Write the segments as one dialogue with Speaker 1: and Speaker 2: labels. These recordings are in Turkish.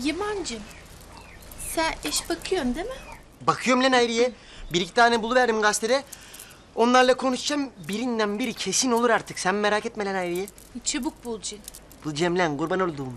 Speaker 1: Yaman'cığım, sen iş bakıyorsun değil mi?
Speaker 2: Bakıyorum lan Hayriye. Bir iki tane buluverdim gazetede. Onlarla konuşacağım. Birinden biri kesin olur artık. Sen merak etme lan Hayriye.
Speaker 1: Çabuk bulacaksın.
Speaker 2: Bulacağım lan, kurban olduğum.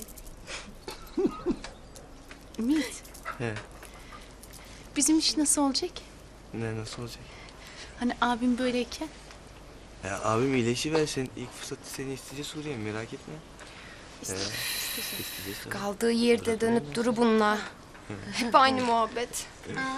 Speaker 1: Ümit.
Speaker 3: He.
Speaker 1: Bizim iş nasıl olacak?
Speaker 3: Ne, nasıl olacak?
Speaker 1: Hani abim böyleyken.
Speaker 3: Ya abim iyileşiversin. İlk fırsatı seni isteyeceğiz Suriye, merak etme. İsteyeceğiz tabii.
Speaker 4: Kaldığı yerde dönüp duru bununla. Hep aynı muhabbet.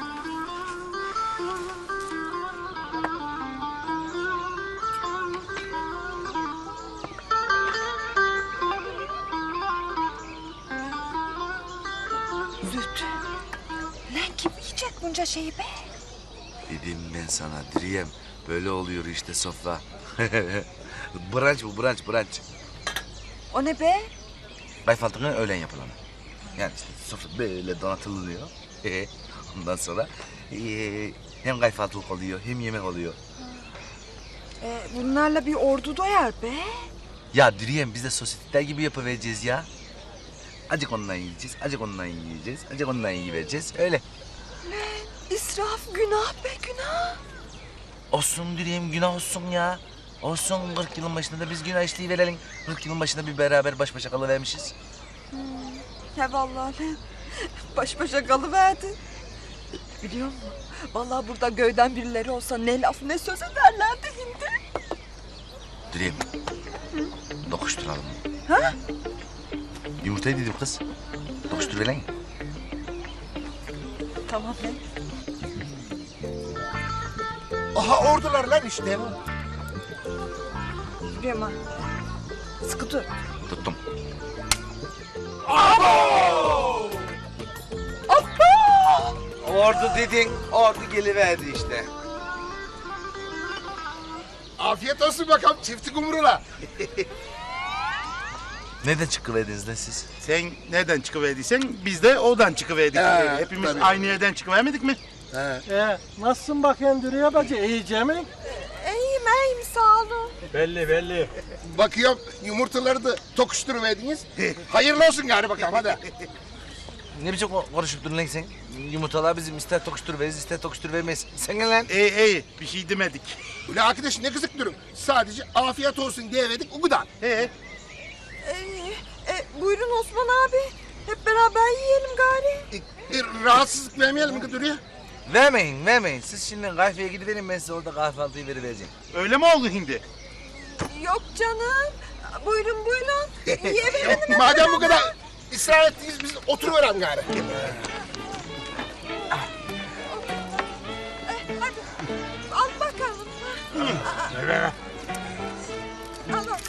Speaker 5: Züht. Lan kim yiyecek bunca şeyi be?
Speaker 6: Dedim ben sana Diriyem. Böyle oluyor işte sofra. Brunch bu, brunch.
Speaker 5: O ne be?
Speaker 6: Kayfaltının öğlen yapılanı. Yani işte sofra böyle donatılıyor. Ondan sonra hem kayfaltılık oluyor hem yemek oluyor.
Speaker 5: Bunlarla bir ordu doyar be.
Speaker 6: Ya Diriyem biz de sosyeteler gibi yapıvereceğiz ya. Acık ondan yiyeceğiz, acık ondan yiyeceğiz, acık ondan yiyivereceğiz. Öyle.
Speaker 5: İsraf günah be günah.
Speaker 6: Olsun Diriyem, günah olsun ya. Olsun, 40 yılın başında da biz günah işliği verelim. 40 yılın başında bir beraber baş başa kalıvermişiz.
Speaker 5: He vallahi lan. Baş başa kalıverdi. Biliyor musun? Vallahi burada göyden birileri olsa ne laf ne söz ederlerdi hindi.
Speaker 6: Diriyem. Dokuşturalım.
Speaker 5: Ha?
Speaker 6: Yumurtayı dedim kız. Dokuştur verin.
Speaker 5: Tamam lan.
Speaker 7: Aha ordular lan işte.
Speaker 5: Yürüyorum ha. Sıkı dur.
Speaker 6: Tuttum.
Speaker 8: Ordu dedin, ordu geliverdi işte.
Speaker 7: Afiyet olsun bakalım çifti kumrula.
Speaker 6: Nereden çıkıverdiniz lan siz?
Speaker 9: Sen nereden çıkıverdiysen biz de oradan çıkıverdik. Hepimiz
Speaker 7: tabii.
Speaker 9: aynı yerden çıkıvermedik mi?
Speaker 10: Nasılsın bakayım Dürüye bacı? İyice mi?
Speaker 5: İyiyim sağ olun.
Speaker 10: Belli.
Speaker 7: Bakıyorum yumurtaları da tokuşturuverdiniz. Hayırlı olsun gari bakalım hadi.
Speaker 6: Ne biçim konuşup durun lan sen? Yumurtalar bizim ister tokuştur veririz ister tokuştur vermeyiz. Sen gel lan.
Speaker 9: İyi bir şey demedik.
Speaker 7: Ulan arkadaş ne kızık durun. Sadece afiyet olsun diye verdik o kadar.
Speaker 5: Buyurun Osman abi. Hep beraber yiyelim gari.
Speaker 7: Rahatsızlık vermeyelim mi Kıdırı'ya?
Speaker 6: Vermeyin. Siz şimdi kahveye gidiverin, ben size orada kahvaltıyı verivereceğim.
Speaker 9: Öyle mi oldu hindi?
Speaker 5: Yok canım. Buyurun. Yiyelim.
Speaker 7: Madem bu kadar ısrar ettiniz biz oturuverelim gari.
Speaker 5: Hadi. Al bakalım. Al.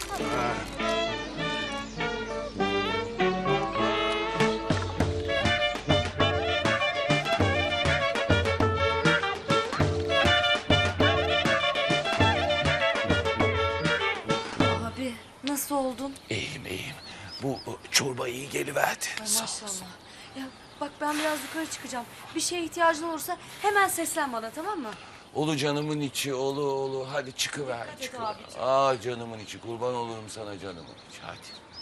Speaker 4: Abi nasıl oldun?
Speaker 8: İyiyim. Bu çorba iyi geliverdi.
Speaker 4: Maşallah. Ya bak ben biraz yukarı çıkacağım. Bir şeye ihtiyacın olursa hemen seslen bana, tamam mı?
Speaker 8: Olu canımın içi, olu. Hadi çıkıver.
Speaker 4: abiciğim.
Speaker 8: Canımın içi, kurban olurum sana canımın içi. Hadi.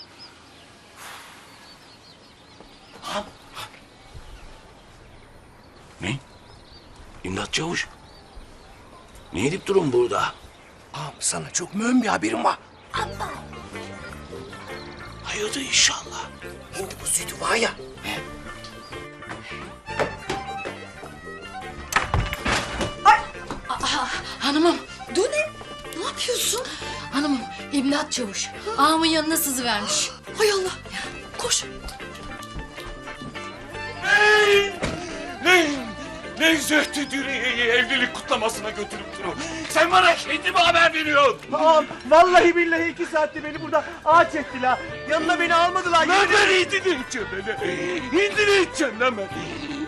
Speaker 8: Ne? İmdat Çavuş. Ne edip durun burada? Sana çok mühim bir haberim var. Hayırdır inşallah. Şimdi bu sütü var ya.
Speaker 1: Hanımım. Dur ne yapıyorsun? Hanımım, İmdat Çavuş. Ağamın yanına sızıvermiş. Hay Allah. Koş.
Speaker 8: Ne Zühtü Dürüye'yi evlilik kutlamasına götürüp durun. Sen bana şimdi mi haber veriyorsun?
Speaker 10: Ağam vallahi billahi 2 saatte beni burada ağaç ettiler. Yanına beni almadılar.
Speaker 8: Lan ben hindi ne içeceğim beni? Hindi ne içeceğim lan ben?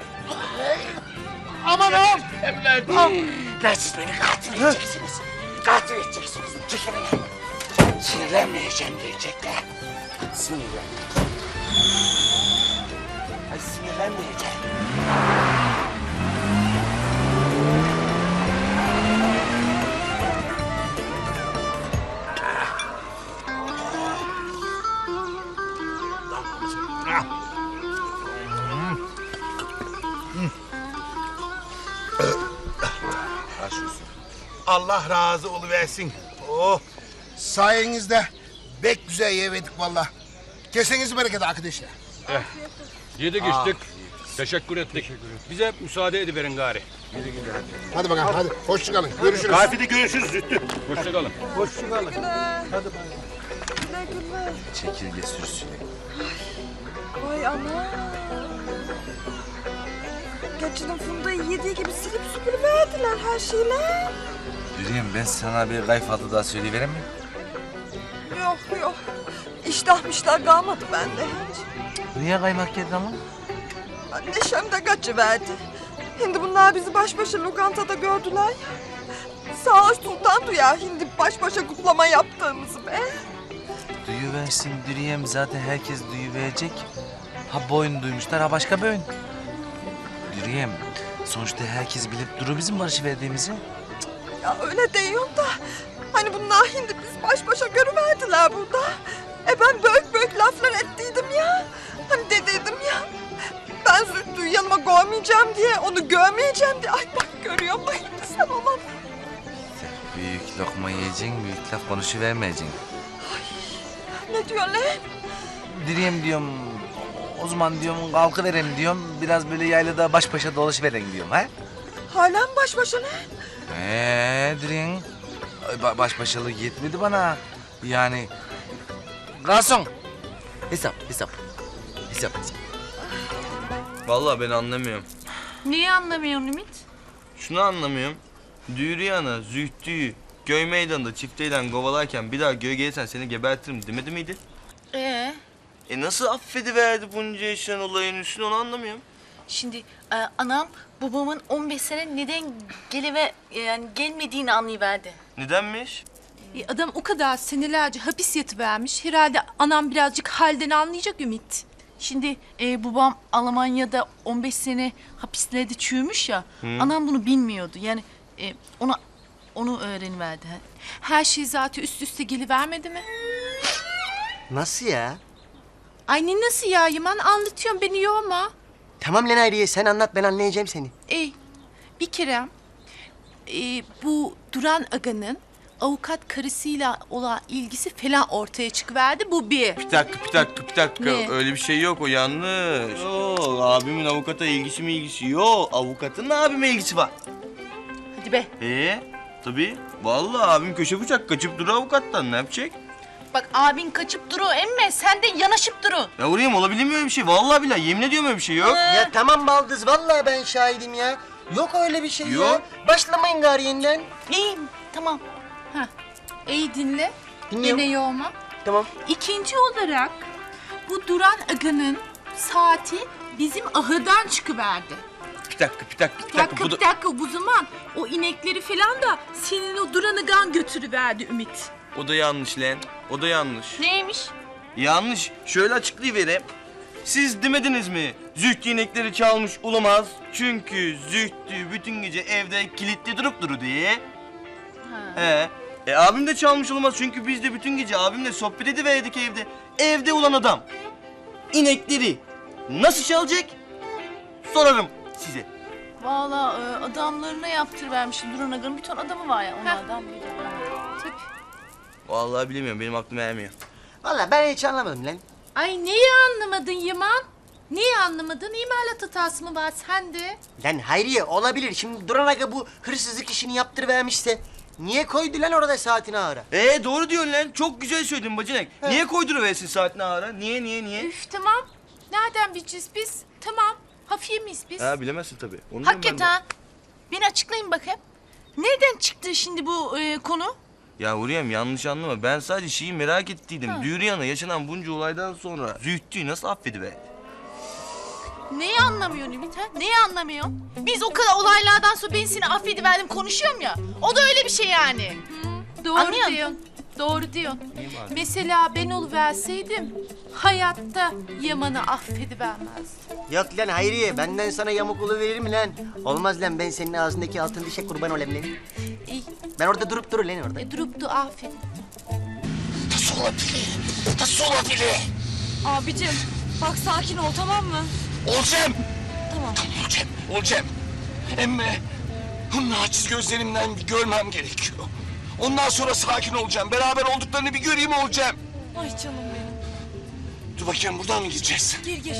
Speaker 10: Aman ağam.
Speaker 8: Lan siz beni katil edeceksiniz. Katil edeceksiniz. Çekilin. Sinirlenmeyeceğim diyecekler. Sinirlenmeyeceğim. Ay sinirlenmeyeceğim.
Speaker 9: Allah razı oluversin. Oh.
Speaker 7: Sayenizde pek güzel yemedik valla. Keseniz bereket arkadaşlar.
Speaker 8: Yedik içtik. Teşekkür ettik. Bize müsaade ediverin gari.
Speaker 7: Hadi bakalım hadi. Hoşça kalın. Görüşürüz.
Speaker 9: Kafede görüşürüz Zühtü.
Speaker 8: Hoşça kalın.
Speaker 6: Çekirge sürüsü.
Speaker 5: Vay ana. Geçinin Funda'yı yediği gibi silip süpürüverdiler her şeyle.
Speaker 6: Dürüyem ben sana bir kayfaltı daha söyleyiverem mi?
Speaker 5: Yok. İştahmışlar kalmadı bende hiç.
Speaker 6: Niye kaymak yedin ama?
Speaker 5: Neşem de kaçıverdi. Şimdi bunlar bizi baş başa lokantada gördüler ya. Sağ ol Sultan duyar şimdi baş başa kutlama yaptığımızı be.
Speaker 6: Duyuversin Dürüyem zaten herkes duyuverecek. Ha boyun duymuşlar ha başka boyun. Dürüyem sonuçta herkes bilip duru bizim barışıverdiğimizi.
Speaker 5: Ya öyle diyorum da. Hani bunlar şimdi biz baş başa görüverdiler burada. Ben büyük laflar ettiydim ya. Hani dediydim ya. Ben Zühtü'yü yanıma koymayacağım diye, onu görmeyeceğim diye. Ay bak görüyor musun sen olan?
Speaker 6: Büyük lokma yiyeceksin, büyük laf konuşuvermeyeceksin.
Speaker 5: Ne diyorsun lan?
Speaker 6: Dürüyem diyorum, o zaman diyorum kalkıverem diyorum. Biraz böyle yaylada baş başa dolaşıverem diyorum ha.
Speaker 5: Hala mı baş başa lan?
Speaker 6: Dürüyem. Baş başalık yetmedi bana. Yani... Garson! Hesap.
Speaker 3: Vallahi ben anlamıyorum.
Speaker 1: Neyi anlamıyorsun Ümit?
Speaker 3: Şunu anlamıyorum. Dürüyan'a, Zühtü'yü köy meydanında çifteyle kovalarken bir daha göğe gelirsen seni gebertirim demedi miydi? Nasıl affediverdi bunca yaşanan olayın üstüne onu anlamıyorum.
Speaker 1: Şimdi anam babamın 15 sene neden gelmediğini anlayıverdi.
Speaker 3: Nedenmiş?
Speaker 11: Adam o kadar senelerce hapis yatıvermiş. Herhalde anam birazcık halden anlayacak Ümit.
Speaker 1: Şimdi babam Almanya'da 15 sene hapislerde çürümüş ya. Anam bunu bilmiyordu. Yani onu öğreniverdi.
Speaker 11: Her şey zaten üst üste gelivermedi mi?
Speaker 2: Nasıl ya?
Speaker 11: Ay ne nasıl ya Yaman, anlatıyorum beni yorma.
Speaker 2: Tamam lan Hayriye sen anlat ben anlayacağım seni.
Speaker 11: Bir kere bu Duran Aga'nın avukat karısıyla olan ilgisi falan ortaya çıkıverdi, bu bir.
Speaker 3: Bir dakika.
Speaker 11: Ne?
Speaker 3: Öyle bir şey yok, o yanlış. Yok, abimin avukata ilgisi yok. Avukatın abime ilgisi var.
Speaker 1: Hadi be.
Speaker 3: Tabii. Vallahi abim köşe bıçak kaçıp duruyor avukattan, ne yapacak?
Speaker 1: Bak abin kaçıp duru emme sen de yanaşıp durun.
Speaker 3: Ya oraya olabilir mi öyle bir şey? Vallahi billahi yemin ediyorum öyle bir şey yok.
Speaker 2: Ya tamam baldız vallahi ben şahidim ya. Yok öyle bir şey
Speaker 3: Yok.
Speaker 2: ya. Başlamayın gari yeniden.
Speaker 1: İyiyim tamam.
Speaker 11: İyi dinle.
Speaker 2: Dinliyorum.
Speaker 11: Yine yorma.
Speaker 2: Tamam.
Speaker 11: İkinci olarak bu Duran Aga'nın saati bizim ahırdan çıkıverdi.
Speaker 3: Bir dakika.
Speaker 11: Bir dakika, bu zaman o inekleri falan da senin o Duran Agan götürüverdi Ümit.
Speaker 3: O da yanlış lan. O da yanlış.
Speaker 1: Neymiş?
Speaker 3: Yanlış. Şöyle açıklayıvereyim. Siz demediniz mi? Zühtü inekleri çalmış olamaz. Çünkü Zühtü bütün gece evde kilitli durup duru diye. Abim de çalmış olamaz çünkü biz de bütün gece abimle sohbet ediverdik evde. Evde olan adam inekleri nasıl çalacak? Sorarım size.
Speaker 1: Vallahi adamlarına yaptırıvermişim. Duran Aga'nın bir ton adamı var ya onlardan biri.
Speaker 11: Tabii.
Speaker 3: Vallahi bilemiyorum, benim aklım ermiyor.
Speaker 2: Vallahi ben hiç anlamadım lan.
Speaker 11: Ay neyi anlamadın Yaman? Neyi anlamadın? İmalat hatası mı var sende?
Speaker 2: Lan Hayriye olabilir. Şimdi Duran Aga bu hırsızlık işini yaptırıvermişse niye koydu lan orada saatini ağıra?
Speaker 3: Doğru diyorsun lan. Çok güzel söyledin bacanak. Niye koyduruversin saatini ağara? Niye?
Speaker 11: Üf tamam. Nereden bileceğiz biz? Tamam. Hafiye miyiz biz?
Speaker 3: Bilemezsin tabii. Onu
Speaker 1: Hakikaten. Beni açıklayın bakayım. Nereden çıktı şimdi bu konu?
Speaker 3: Ya Hürriyem yanlış anlama. Ben sadece şeyi merak ettiydim. Dürüyan'a yaşanan bunca olaydan sonra Zühtü'yü nasıl affediverdi?
Speaker 1: Neyi anlamıyorsun Ümit ha? Neyi anlamıyorsun? Biz o kadar olaylardan sonra ben seni affediverdim konuşuyorum ya. O da öyle bir şey yani.
Speaker 11: Doğru
Speaker 1: Anlıyor
Speaker 11: diyorsun. Doğru diyorsun. Mesela ben oluverseydim hayatta Yaman'ı affedivermezdim.
Speaker 2: Yok lan Hayriye benden sana yamuk veririm mi lan? Olmaz lan ben senin ağzındaki altın dişe kurban olayım lan.
Speaker 11: İyi.
Speaker 2: Ben orada durup durur lan orada.
Speaker 11: Durup da affedin.
Speaker 8: Nasıl olabilir?
Speaker 4: Abicim bak sakin ol tamam mı?
Speaker 8: Olacağım.
Speaker 4: Tamam.
Speaker 8: Olacağım. Emme Bunu naçiz gözlerimden görmem gerekiyor. Ondan sonra sakin olacağım. Beraber olduklarını bir göreyim olacağım.
Speaker 4: Ay canım benim.
Speaker 8: Dur bakayım buradan mı gideceğiz?
Speaker 4: Gir.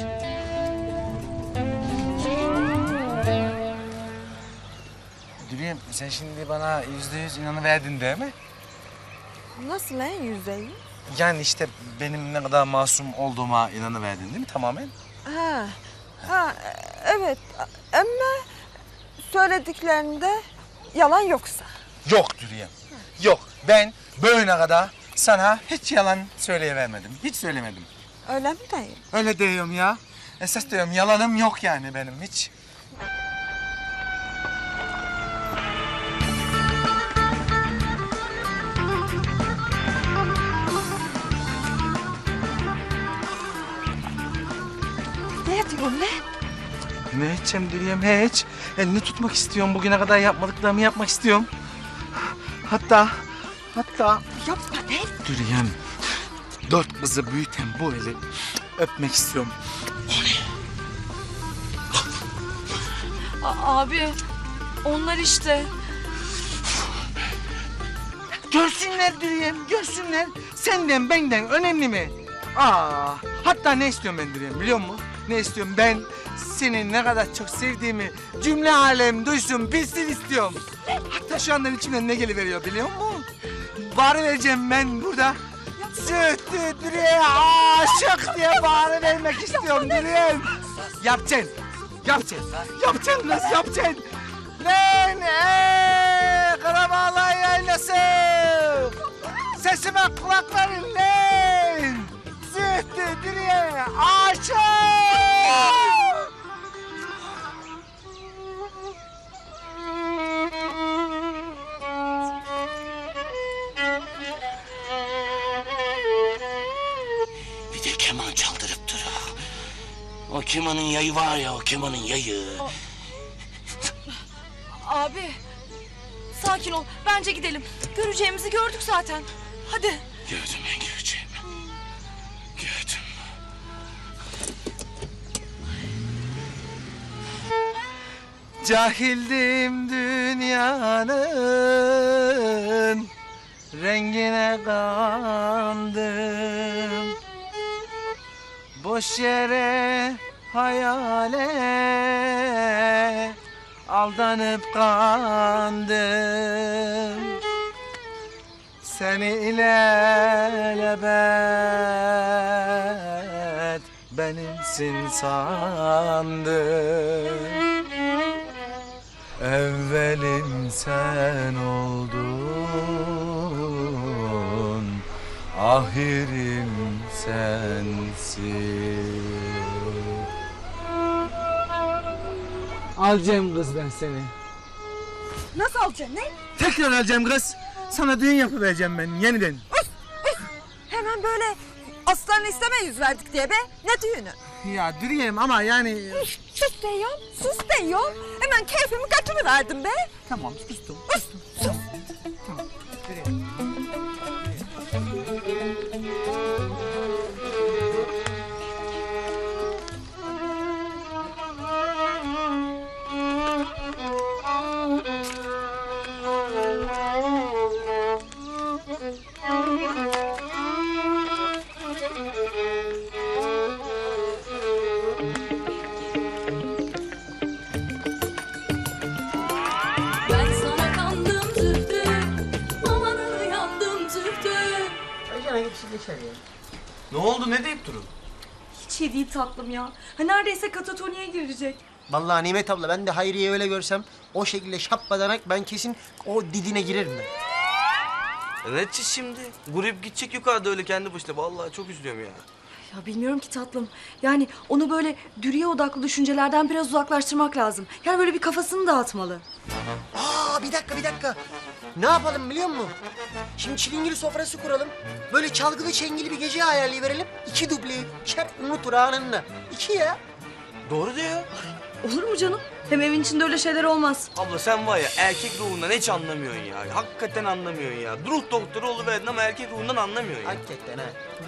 Speaker 6: Dürüyem sen şimdi bana %100 inanıverdin değil mi?
Speaker 5: Nasıl lan %100?
Speaker 6: Yani işte benim ne kadar masum olduğuma inanıverdin değil mi tamamen?
Speaker 5: Evet ama söylediklerinde yalan yoksa.
Speaker 6: Yok Dürüyem. Yok. Ben böyle kadar sana hiç yalan söyleyivermedim. Hiç söylemedim.
Speaker 5: Öyle mi dayı?
Speaker 6: Öyle diyorum ya. Esas diyorum yalanım yok yani benim hiç.
Speaker 5: Ne diyorsun lan?
Speaker 6: Ne edeceğim Dürüyem hiç. Elini tutmak istiyorum. Bugüne kadar yapmadıklarımı yapmak istiyorum. Hatta
Speaker 5: Yapma lan.
Speaker 6: Dürüyem 4 kızı büyüten bu eli öpmek istiyorum.
Speaker 4: Abi onlar işte.
Speaker 6: Görsünler Dürüyem, görsünler. Senden benden önemli mi? Hatta ne istiyorum ben Dürüyem biliyor musun? Ne istiyorum ben? Seni ne kadar çok sevdiğimi cümle alem duysun, bilsin istiyorum. Hatta şu andan içimden ne geliveriyor biliyor musun? Bağırıvereceğim ben burada. Sütlü Dürüyem'e aşık diye bağırıvermek istiyorum Dürüyem. Yapacaksın, yapacaksın, yapacaksın kız, yapacaksın. Lan Karabağlar yaylası. Sesime kulak verin lan. Sütlü Dürüyem'e aşık.
Speaker 8: Bir de keman çaldırıp duruyor. O kemanın yayı var ya, o kemanın yayı.
Speaker 4: Abi sakin ol. Bence gidelim. Göreceğimizi gördük zaten. Hadi.
Speaker 8: Gördüm ben göreceğimi. Gördüm.
Speaker 6: Cahildim dünyanın rengine kandım. Boş yere hayale aldanıp kandım. Seni ilelebet benimsin sandım. Evvelim sen oldun, ahirim sensin. Alacağım kız ben seni.
Speaker 5: Nasıl alacaksın lan?
Speaker 6: Tekrar alacağım kız. Sana düğün yapıvereceğim ben yeniden.
Speaker 5: Hemen böyle aslanı isteme yüz verdik diye be. Ne düğünü?
Speaker 6: Ya Dürüyem ama yani...
Speaker 5: Sus diyorum, sus diyorum. Hemen keyfimi kaçırıverdim be.
Speaker 6: Tamam sustum. Tamam. Dürüyem.
Speaker 4: Ben sana kandım zühtü. Amanın uyandım zühtü.
Speaker 3: Ne oldu ne deyip durun?
Speaker 4: Hiç iyi değil tatlım ya. Ha neredeyse katatoniye girecek.
Speaker 2: Vallahi Nimet abla ben de Hayriye öyle görsem o şekilde şappadanak ben kesin o didine girerim ben.
Speaker 3: Evet şimdi. Grup gidecek yukarıda öyle kendi başına. Vallahi çok üzülüyorum ya.
Speaker 4: Ya bilmiyorum ki tatlım. Yani onu böyle dürüye odaklı düşüncelerden biraz uzaklaştırmak lazım. Yani böyle bir kafasını dağıtmalı.
Speaker 2: Bir dakika. Ne yapalım biliyor musun? Şimdi çilingiri sofrası kuralım. Böyle çalgılı çengeli bir gece ayarlayıverelim. 2 dubleyi çer unutur anında. 2 ya.
Speaker 3: Doğru diyor.
Speaker 4: Olur mu canım? Hem evin içinde öyle şeyler olmaz.
Speaker 3: Abla sen var ya erkek ruhundan hiç anlamıyorsun ya. Hakikaten anlamıyorsun ya. Ruh doktoru oluverdin ama erkek ruhundan anlamıyorsun ya.
Speaker 2: Hakikaten ha.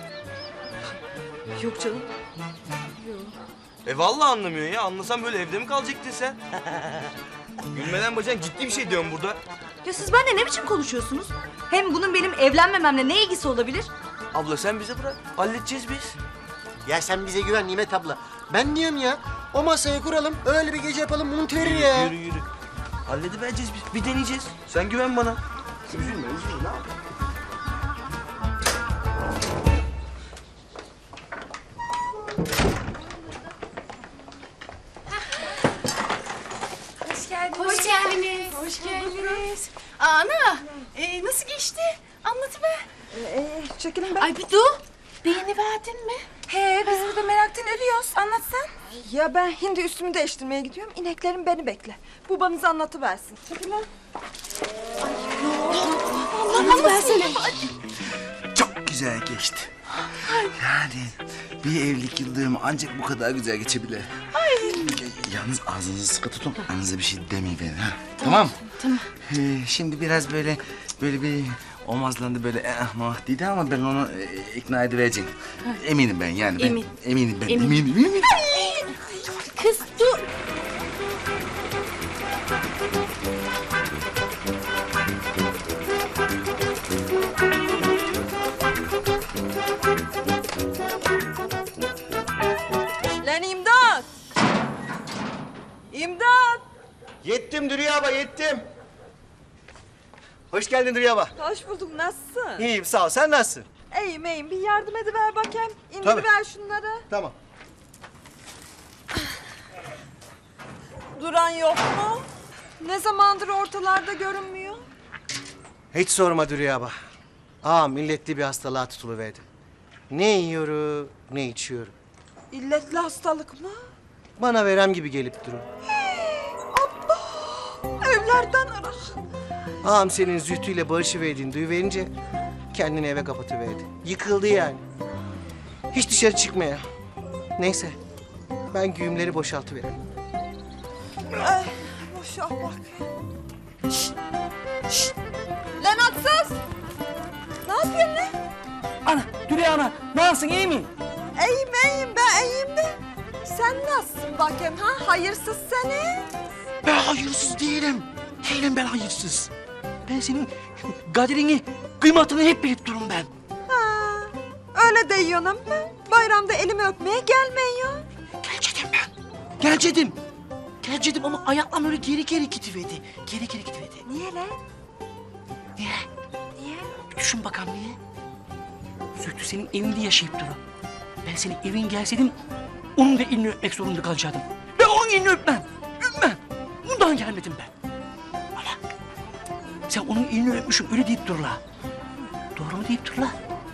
Speaker 4: Yok canım.
Speaker 3: Vallahi anlamıyorsun ya. Anlasan böyle evde mi kalacaktın sen? Gülmeden bacak ciddi bir şey diyorum burada.
Speaker 4: Ya siz benimle ne biçim konuşuyorsunuz? Hem bunun benim evlenmememle ne ilgisi olabilir?
Speaker 3: Abla sen bize bırak. Halledeceğiz biz.
Speaker 2: Ya sen bize güven Nimet abla. Ben diyorum ya o masayı kuralım öyle bir gece yapalım unut verir ya.
Speaker 3: Yürü yürü. Halledivereceğiz biz. Bir deneyeceğiz. Sen güven bana.
Speaker 8: Üzülme ne yap?
Speaker 11: Hoş geldiniz. Hoş geldiniz. Ana, nasıl geçti? Anlatıver.
Speaker 5: Çekilin ben.
Speaker 11: Ay bir dur. Beğeniverdin mi?
Speaker 5: He biz burada meraktan ölüyoruz. Anlatsan. Ya ben hindi üstümü değiştirmeye gidiyorum. İneklerim beni bekle. Babanız anlatıversin. Çekilin.
Speaker 11: Anlatıversene.
Speaker 12: Çok güzel geçti. Yani bir evlilik yıldönümü ancak bu kadar güzel geçebilir. Yalnız ağzınızı sıkı tutun. Aranıza bir şey demeyin ha. Tamam.
Speaker 11: Tamam.
Speaker 12: Şimdi biraz böyle bir omazlandı böyle dedi ama ben onu ikna edivereceğim. Eminim ben yani.
Speaker 11: Emin.
Speaker 12: Eminim ben.
Speaker 11: Emin.
Speaker 12: Eminim.
Speaker 11: Kız dur.
Speaker 5: Lan imdat. İmdat.
Speaker 10: Yettim Dürüye abla yettim. Hoş geldin Dürüye abla.
Speaker 5: Hoş bulduk. Nasılsın?
Speaker 10: İyiyim sağ ol. Sen nasılsın?
Speaker 5: İyiyim iyiyim. Bir yardım ediver bakayım.
Speaker 10: Tabii.
Speaker 5: İndiriver şunları.
Speaker 10: Tamam.
Speaker 5: Duran yok mu? Ne zamandır ortalarda görünmüyor?
Speaker 10: Hiç sorma Dürüye abla. Milletli bir hastalığa tutuluverdi. Ne yiyorum, ne içiyorum.
Speaker 5: İlletli hastalık mı?
Speaker 10: Bana verem gibi gelip durun.
Speaker 5: Evlerden arasın.
Speaker 10: Ağam senin Zühtü'yle barışıverdiğini duyuverince kendini eve kapatıverdi. Yıkıldı yani. Hiç dışarı çıkmaya. Neyse ben güğümleri boşaltıvereyim.
Speaker 5: Ay boşalt bak. Şşt. Şşt. Lan atsız. Ne yapıyorsun lan?
Speaker 6: Ana, Dürüye ana, nasılsın iyi mi?
Speaker 5: İyiyim ben iyiyim de. Sen nasılsın bakayım ha? Hayırsız seni.
Speaker 12: Ben hayırsız değilim. Değilim ben hayırsız. Ben senin kaderini, kıymetini hep bilip durum ben.
Speaker 5: Ha, öyle diyorsun ama bayramda elimi öpmeye gelmiyor.
Speaker 12: Gelcedim ben. Gelcedim ama ayaklarım öyle geri gidiverdi. Geri gidiverdi.
Speaker 5: Niye lan?
Speaker 12: Niye?
Speaker 5: Niye?
Speaker 12: Düşün bakalım niye? Zühtü senin evinde yaşayıp durur. Ben senin evin gelseydim onun da elini öpmek zorunda kalacaktım. Ben onun elini öpmem. Bundan gelmedim ben. Ama sen onun elini öpmüşüm öyle deyip dur la. Doğru mu deyip dur la?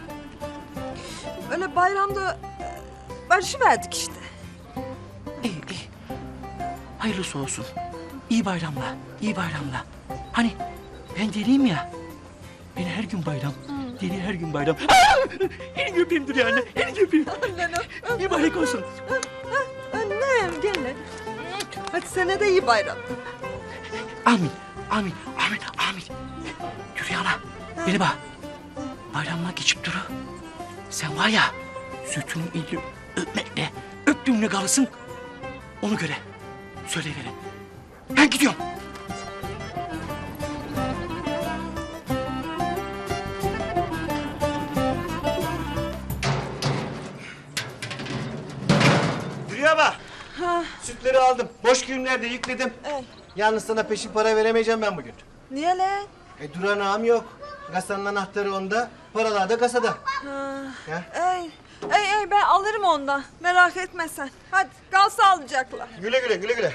Speaker 5: Öyle bayramda barışıverdik işte.
Speaker 12: İyi. Hayırlısı olsun. İyi bayramlar, iyi bayramlar. Hani ben deliyim ya. Beni her gün bayram. Deli her gün bayram. Elini öpeyim dur yani. Elini öpeyim. İyi bayrak olsun.
Speaker 5: Annem gel lan. Hadi sana da iyi bayram.
Speaker 12: Amin. Yürü ana. Beni bak. Bayramlar geçip duru. Sen var ya Zühtü'nün elini öpmekle öptüğümle kalırsın. Onu göre söyleyiverin. Ben gidiyorum.
Speaker 10: Dürüye abla. Sütleri aldım. Boş güğümlerde yükledim. Yalnız sana peşin para veremeyeceğim ben bugün.
Speaker 5: Niye lan?
Speaker 10: Duran ağam yok. Kasanın anahtarı onda. Paralar da kasada. Ya.
Speaker 5: Ey ben alırım ondan. Merak etme sen. Hadi kal sağlıcakla.
Speaker 10: Güle güle.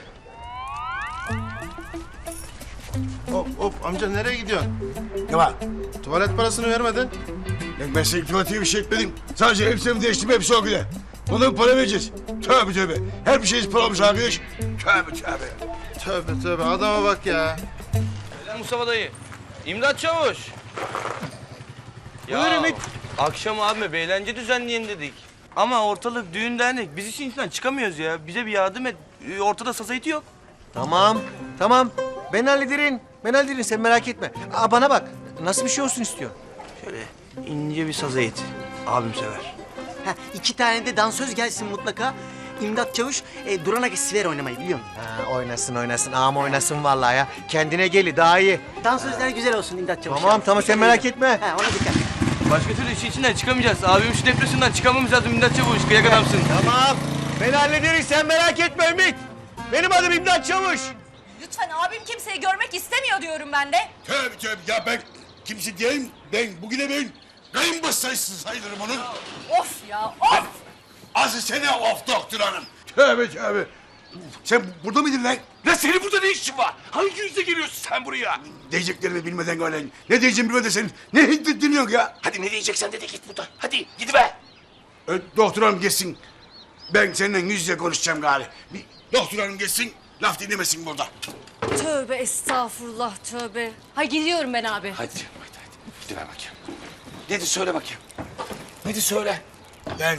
Speaker 7: Hop amca nereye gidiyorsun?
Speaker 8: Ne var?
Speaker 7: Tuvalet parasını vermedin.
Speaker 8: Ya ben senin tuvalete bir şey etmedim. Sadece elbisemi değiştim hepsi o güne. Ona mı para vereceğiz? Tövbe. Her bir şeyiz para olmuş arkadaş.
Speaker 7: Tövbe adama bak ya.
Speaker 3: Selam Mustafa dayı. İmdat Çavuş.
Speaker 10: Buyur Ümit.
Speaker 3: Akşam abime bir eğlence düzenleyelim dedik. Ama ortalık düğün dernek. Biz işin içinden çıkamıyoruz ya. Bize bir yardım et. Ortada sazayıtı yok.
Speaker 10: Tamam. Ben hallederim. Sen merak etme. Bana bak. Nasıl bir şey olsun istiyor?
Speaker 3: Şöyle ince bir sazayıt. Abim sever.
Speaker 2: 2 tane de dansöz gelsin mutlaka. İmdat Çavuş Duran'a siver oynamayı biliyor musun? Ha, oynasın. Ağam oynasın vallahi ya. Kendine geli daha iyi. Dansözler güzel olsun İmdat Çavuş. Tamam sen merak etme. Ha, ona dikkat.
Speaker 3: Başka türlü işin içinden çıkamayacağız. Abim şu depresyondan çıkamamız lazım İmdat Çavuş. Kıyak adamsın.
Speaker 10: Tamam. Ben hallederiz sen merak etme Ümit. Benim adım İmdat Çavuş.
Speaker 4: Lütfen abim kimseyi görmek istemiyor diyorum ben de.
Speaker 7: Tövbe ya ben kimse diyeyim. Bugüne ben kayınbasayısı sayılırım onun.
Speaker 4: Of ya of.
Speaker 7: Asıl sene of doktor hanım. Tövbe. Sen burada mıydın lan?
Speaker 8: Lan senin burada ne işin var? Hangi yüzle geliyorsun sen buraya?
Speaker 7: Diyeceklerimi bilmeden öyle. Ne diyeceğim bilmeden sen ne dinliyorsun ya?
Speaker 8: Hadi ne diyeceksen de git buradan. Hadi gidiver.
Speaker 7: Doktor hanım geçsin. Ben seninle yüz yüze konuşacağım gari. Bir doktor hanım geçsin. Laf dinlemesin burada.
Speaker 4: Tövbe estağfurullah tövbe. Hay gidiyorum ben abi.
Speaker 8: Hadi. Gidiver bakayım. Nedir söyle bakayım. Nedir söyle.
Speaker 7: Ben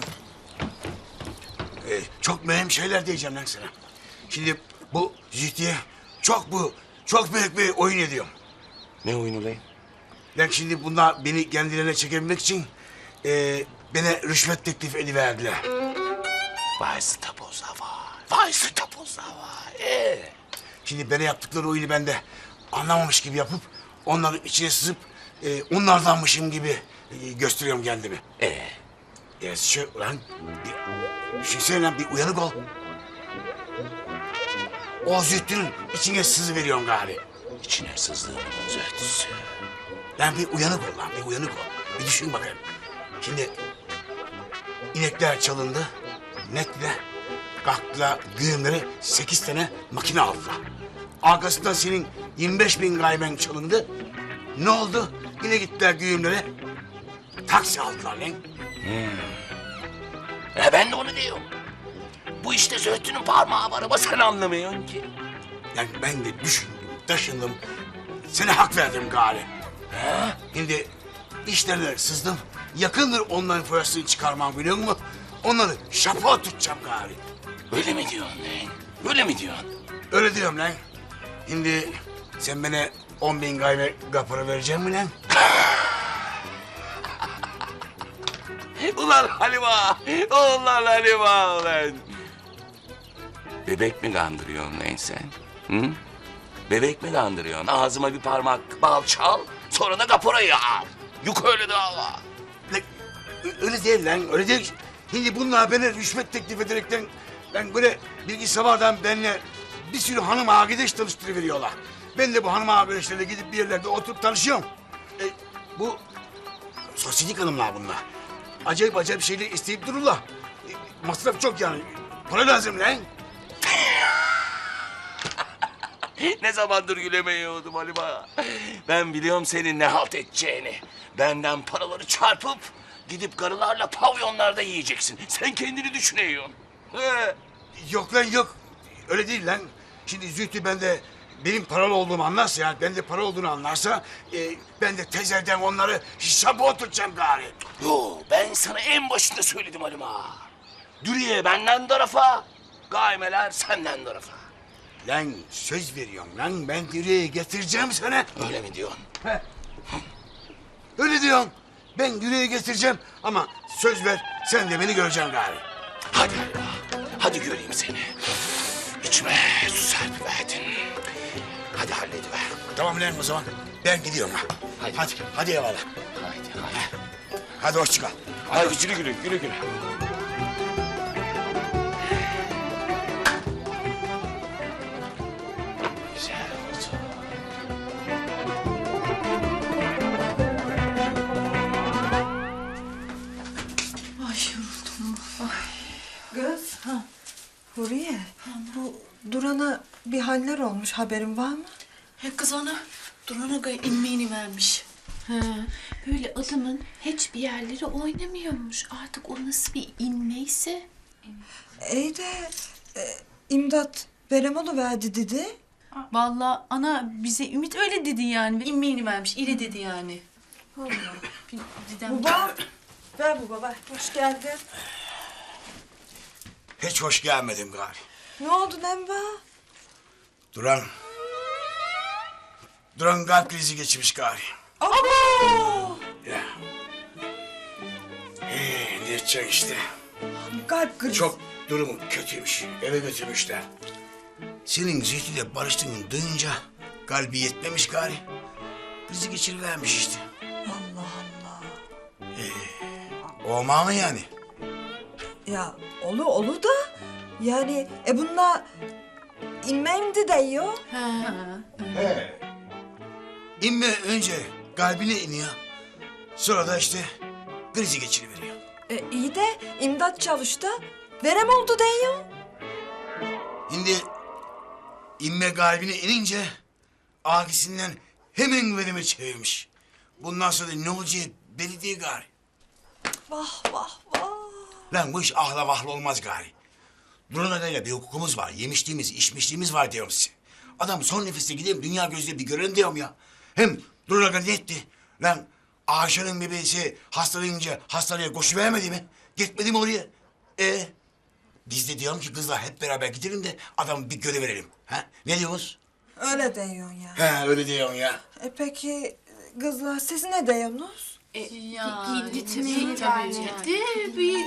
Speaker 7: çok mühim şeyler diyeceğim lan sana. Şimdi bu Zühtü'ye çok büyük bir oyun ediyorum.
Speaker 8: Ne oyunu lan?
Speaker 7: Ben şimdi bunlar beni kendilerine çekebilmek için bana rüşvet teklif ediverdiler.
Speaker 8: Vay stapoza var. Vay stapoza var.
Speaker 7: Şimdi bana yaptıkları oyunu ben de anlamamış gibi yapıp onların içine sızıp onlardanmışım gibi gösteriyorum kendimi. Ya şu lan bir şey söyle lan bir uyanık ol. O Zühtü'nün içine sızı veriyorum gari.
Speaker 8: İçine sızdığımın zöhtüsü.
Speaker 7: Lan bir uyanık ol lan bir uyanık ol. Bir düşün bakayım. Şimdi inekler çalındı. Netle kalktılar güğümleri 8 tane makine aldılar. Arkasından senin 25.000 gayben çalındı. Ne oldu? Yine gittiler güğümlere. Taksi aldılar lan.
Speaker 8: Ben de onu diyorum. Bu işte zöhtünün parmağı var ama sen anlamıyorsun ki.
Speaker 7: Yani ben de düşündüm, taşındım. Sana hak verdim gari. Şimdi işlerine sızdım. Yakındır onların foyasını çıkarmam biliyor musun? Onları şapa tutacağım gari.
Speaker 8: Öyle mi diyorsun lan? Öyle mi diyorsun?
Speaker 7: Öyle diyorum lan. Şimdi sen bana 10.000 gayme kapora verecek mi lan?
Speaker 8: Ulan Halima! Ulan Halima ulan! Bebek mi kandırıyorsun lan sen? Hı? Bebek mi kandırıyorsun? Ağzıma bir parmak bal çal, sonra da kaporayı al. Yok öyle dava.
Speaker 7: Lan, öyle değil lan, öyle değil. Şimdi bunlar bana rüşvet teklif ederekten... ...ben böyle bilgisayardan benimle bir sürü hanım arkadaş tanıştırıveriyorlar. Ben de bu hanım arkadaşlarla gidip bir yerlerde oturup tanışıyorum. Bu sosyetik hanımlar bunlar. Acayip şeyler isteyip dururlar. Masraf çok yani. Para lazım lan.
Speaker 8: Ne zamandır gülemiyordum Halima. Ben biliyorum senin ne halt edeceğini. Benden paraları çarpıp gidip karılarla pavyonlarda yiyeceksin. Sen kendini düşünüyorsun.
Speaker 7: Yok lan yok. Öyle değil lan. Şimdi Zühtü benim paralı olduğumu anlarsa yani bende para olduğunu anlarsa ben de tezerden onları hesaba oturacağım gari.
Speaker 8: Yo ben sana en başında söyledim Halima. Dürüye benden tarafa, gaymeler senden tarafa.
Speaker 7: Lan söz veriyorum lan ben Dürüye'yi getireceğim sana.
Speaker 8: Öyle mi diyorsun?
Speaker 7: Öyle diyorum. Ben Dürüye'yi getireceğim ama söz ver sen de beni göreceksin gari.
Speaker 8: Hadi Halima, hadi göreyim seni. İçime su serpiverdin. Hadi hallediver.
Speaker 7: Tamam lan o zaman ben gidiyorum ha. Hadi eyvallah. Hadi hoşça kal.
Speaker 8: Hadi güle güle. Güzel oldu.
Speaker 1: Ay yoruldum.
Speaker 5: Kız. Huriye. Bu Duran'a bir haller olmuş haberin var mı?
Speaker 1: Kız ona Duran Aga'ya inmeyini vermiş.
Speaker 11: Böyle adamın hiçbir yerleri oynamıyormuş. Artık o nasıl bir inmeyse.
Speaker 5: İyi de imdat verem verdi dedi.
Speaker 1: Vallahi ana bize Ümit öyle dedi yani. İnmeyini vermiş. İri dedi yani.
Speaker 5: Baba. Ver baba ver. Hoş geldin.
Speaker 7: Hiç hoş gelmedim gari.
Speaker 5: Ne oldu Nemba?
Speaker 7: Duran kalp krizi geçirmiş gari.
Speaker 5: Abo!
Speaker 7: Ya. Ne edeceksin işte.
Speaker 5: Kalp krizi.
Speaker 7: Çok durumu kötüymüş. Eve götürmüşler. Senin Zühtü'yle barıştığını duyunca kalbi yetmemiş gari. Krizi geçirivermiş işte.
Speaker 5: Allah Allah.
Speaker 7: Olma mı yani?
Speaker 5: Ya olu da yani bununla inmemdi deyiyor.
Speaker 7: İnme önce kalbine iniyor. Sonra da işte krizi geçiriveriyor.
Speaker 5: İyi de imdat çalıştı. Verem oldu deyiyor.
Speaker 7: Şimdi inme kalbine inince agisinden hemen verime çevirmiş. Bundan sonra ne olacağı belli değil gari.
Speaker 5: Vah vah vah.
Speaker 7: Lan bu iş ahla vahla olmaz gari. Duran adayla bir hukukumuz var. Yemişliğimiz, içmişliğimiz var diyorum size. Adam son nefeste gideyim dünya gözüyle bir görelim diyorum ya. Hem Duran Aga ne etti? Lan Ayşe'nin bebeğisi hastalanınca hastaneye koşuvermedi mi? Gitmedi mi oraya? Biz de diyorum ki kızlar hep beraber gidelim de adamı bir göreverelim. Ha? Ne diyorsunuz?
Speaker 5: Öyle diyorsun ya.
Speaker 7: He öyle diyorum ya.
Speaker 5: Peki kızlar siz ne diyorsunuz?
Speaker 11: Gitmeyi tercih etti. Bir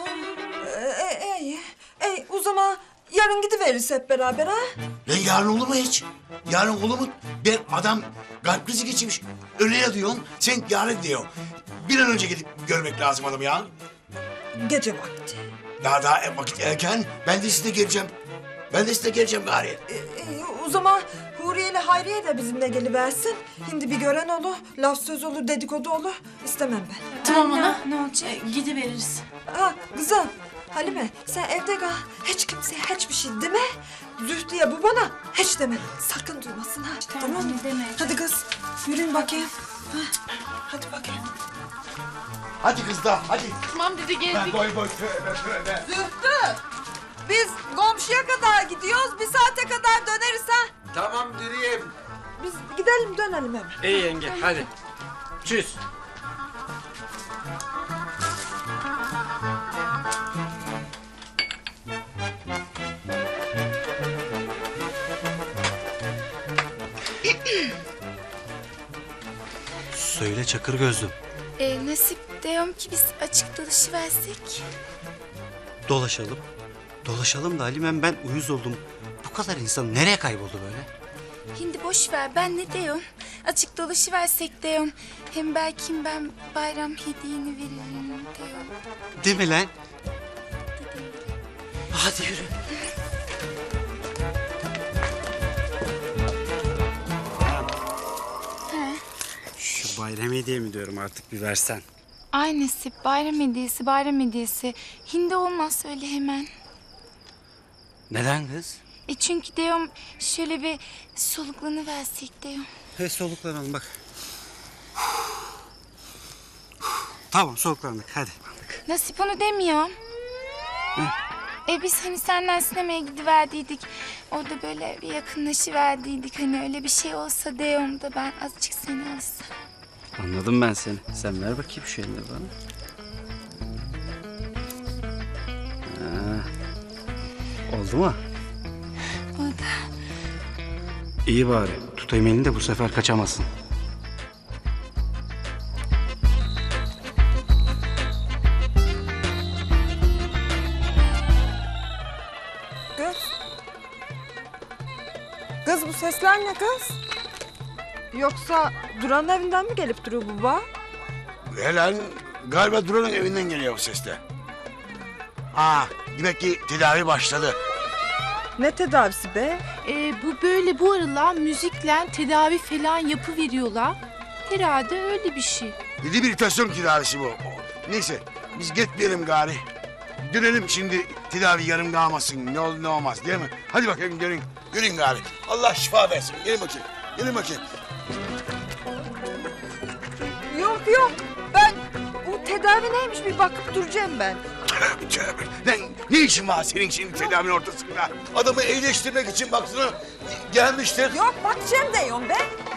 Speaker 5: İyi o zaman yarın gidiveririz hep beraber ha?
Speaker 7: Lan yarın olur mu hiç? Yarın olur mu? Ben adam kalp krizi geçirmiş. Öyle ya diyorsun, sen yarın diyorsun. Bir an önce gidip görmek lazım adamı ya.
Speaker 5: Gece vakti.
Speaker 7: Daha vakit erken. Ben de size geleceğim. Gari.
Speaker 5: İyi o zaman Huriye ile Hayriye de bizimle geliversin. Şimdi bir gören olur, laf söz olur, dedikodu olur. İstemem ben.
Speaker 1: Tamam ana. Ne olacak? Gidiveririz.
Speaker 5: Ha kızım, Halime sen evde kal. Hiç kimseye hiçbir şey deme. Zühtü'ye bu bana hiç deme. Sakın duymasın ha. Tamam mı? Hadi kız yürüyün bakayım. Ha, hadi bakayım.
Speaker 7: Hadi kızlar, hadi.
Speaker 1: Tamam dedi geldik.
Speaker 7: Boy tövbe.
Speaker 5: Zühtü! Biz komşuya kadar gidiyoruz. Bir saate kadar döneriz ha.
Speaker 6: Tamam Dürüyem.
Speaker 5: Biz gidelim dönelim hemen.
Speaker 12: İyi yenge hadi. Çüz.
Speaker 9: Söyle Çakır Gözlüm.
Speaker 13: Nasip diyorum ki biz açık dolaşıversek.
Speaker 9: Dolaşalım. Dolaşalım da Halimem ben uyuz oldum. Bu kadar insan nereye kayboldu böyle?
Speaker 13: Şimdi boş ver ben ne diyorum? Açık dolaşıversek diyorum. Hem belki ben bayram hediyeni veririm diyorum.
Speaker 9: Değil mi lan? Hadi yürü. Şu bayram hediye mi diyorum artık bir versen.
Speaker 13: Ay Nasip bayram hediyesi. Hindi olmaz öyle hemen.
Speaker 9: Neden kız?
Speaker 13: Çünkü diyorum şöyle bir soluklanıversek diyorum.
Speaker 9: Soluklanalım bak. Tamam soluklandık hadi.
Speaker 13: Nasip onu demiyorum. Biz hani senden sinemaya gidiverdiydik. Orada böyle bir yakınlaşıverdiydik. Hani öyle bir şey olsa diyorum da ben azıcık seni alsam.
Speaker 9: Anladım ben seni. Sen ver bakayım şu elini bana. Oldu mu?
Speaker 13: Oldu.
Speaker 9: İyi bari. Tutayım elini de bu sefer kaçamazsın.
Speaker 5: Kız bu sesler ne kız? Yoksa Duran'ın evinden mi gelip duruyor bu baba?
Speaker 7: Helal galiba Duran'ın evinden geliyor bu sesler. Demek ki tedavi başladı.
Speaker 5: Ne tedavisi be?
Speaker 11: bu böyle bu aralar müzikle tedavi falan yapıveriyorlar. Herhalde öyle bir şey.
Speaker 7: Rehabilitasyon tedavisi bu. Neyse biz gitmeyelim gari. Dönelim şimdi tedavi yarım kalmasın. Ne olur ne olmaz değil mi? Hadi bakayım gelin. Gelin gari. Allah şifa versin. Gelin bakayım. Gelin bakayım.
Speaker 5: Yok ben bu tedavi neymiş bir bakıp duracağım ben.
Speaker 7: Tövbe. Lan ne işin var senin şimdi tedavinin ortasında? Adamı iyileştirmek için baksana gelmiştir.
Speaker 5: Yok bakacağım diyorum be.